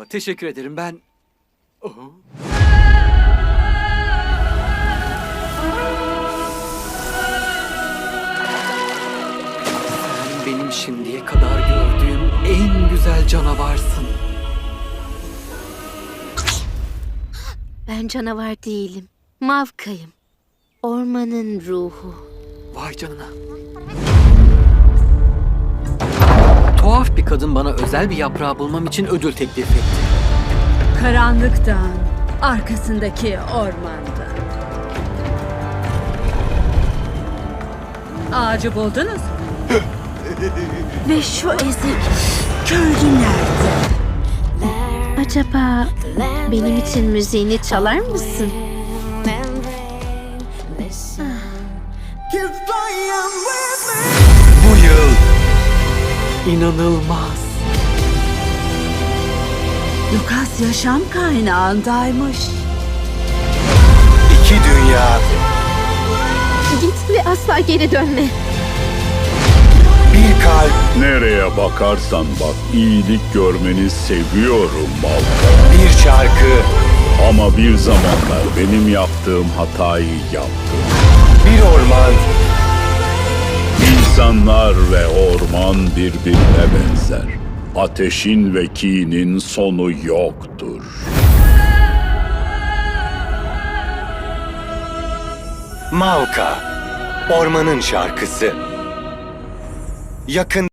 Çok teşekkür ederim. Ben... Oh. Sen benim şimdiye kadar gördüğüm en güzel canavarsın. Ben canavar değilim. Mavka'yım. Ormanın ruhu. Vay canına. Tuhaf bir kadın bana özel bir yaprağı bulmam için ödül teklif etti. Karanlıktan, arkasındaki ormanda. Ağacı buldunuz mu? Ve şu ezik köylü nerede? Acaba benim için müziğini çalar mısın? Bu yıl inanılmaz. Lucas yaşam kaynağındaymış. İki dünya, Git ve asla geri dönme. bir kalp, Nereye bakarsan bak iyilik görmeni seviyorum Malka. bir şarkı, Ama bir zamanlar benim yaptığım hatayı yaptım. bir orman, İnsanlar ve orman birbirine benzer. Ateşin ve kinin sonu yoktur. Malka, ormanın şarkısı. Yakında